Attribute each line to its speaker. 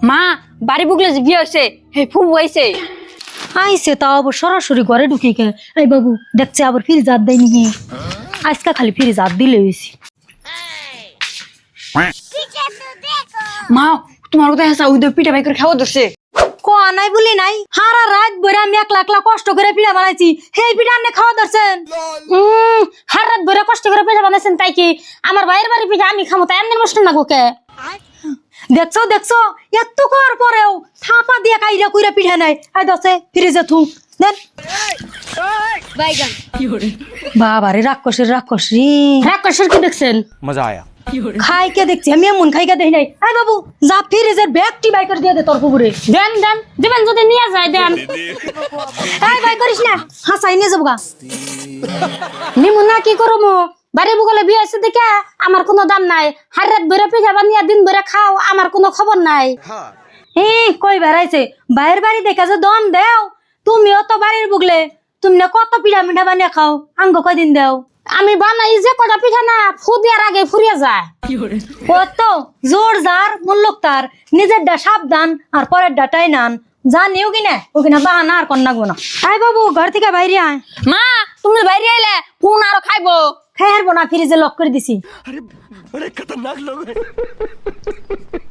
Speaker 1: মা বাড়ি বুকলে যে বিয়ে হয়েছে হে ফুবু হয়েছে
Speaker 2: আইসে তাও আবার সরাসরি ঘরে ঢুকে কে এই বাবু দেখছে আবার ফ্রিজ হাত দেয়নি হে আজকে খালি ফ্রিজ হাত দিলে হয়েছি
Speaker 1: মা তোমার কথা হেসা ওই পিঠা বাই করে খাওয়া ধরছে
Speaker 2: কোয়া নাই বলি নাই হারা রাত ভরে আমি একলা একলা কষ্ট করে পিঠা বানাইছি সেই পিঠা আপনি খাওয়া ধরছেন
Speaker 1: হার রাত ভরে কষ্ট করে পিঠা বানাইছেন তাই কি আমার বাইরের বাড়ি পিঠা আমি খামো তাই এমনি নষ্ট না গোকে
Speaker 2: দেখছো দেখছো এত করার পরেও থাপা দিয়ে কাইরা কইরা পিঠা নাই আই দছে ফ্রিজে থু দেন
Speaker 3: বাইগান
Speaker 2: বাবারে রাক্ষসের রাক্ষস রে
Speaker 1: রাক্ষসের কি দেখছেন
Speaker 4: मजा आया।
Speaker 2: খাই কে দেখছি আমি এমন খাই কে দেখি নাই আই বাবু যা ফ্রিজের ব্যাগটি বাই করে দিয়ে দে তোর পুকুরে
Speaker 1: দেন দেন দিবেন যদি নিয়ে যায় দেন
Speaker 2: এই বাই করিস না হাসাই নিয়ে যাবো গা
Speaker 1: নিমু না কি করবো বাড়ি বুকলে বিয়ে হয়েছে দেখে আমার কোনো দাম নাই হার রাত ভরে পিঠা বানিয়ে দিন ভরে খাও আমার কোনো খবর নাই
Speaker 2: কই বেড়াইছে বাইরের বাড়ি দেখে যে দম দেও তুমিও তো বাড়ির বুগলে তুমি না কত পিঠা মিঠা বানিয়ে খাও আঙ্গ কয়দিন দেও
Speaker 1: আমি বানাই যে কটা পিঠা না ফু দেওয়ার আগে ফুরিয়ে যায়
Speaker 2: কত জোর যার মূল্যক তার নিজেরটা সাবধান আর পরের ডাটাই নান জানিও কিনা ও কিনা বাহানা আর কন্যা গোনা আয় বাবু ঘর থেকে বাইরে আয়
Speaker 1: মা তুমি বাইরে আইলে ফোন আরো খাইবো
Speaker 2: খাই হারবো না ফ্রিজে লক করে দিছি
Speaker 4: अरे खतरनाक लोग हैं।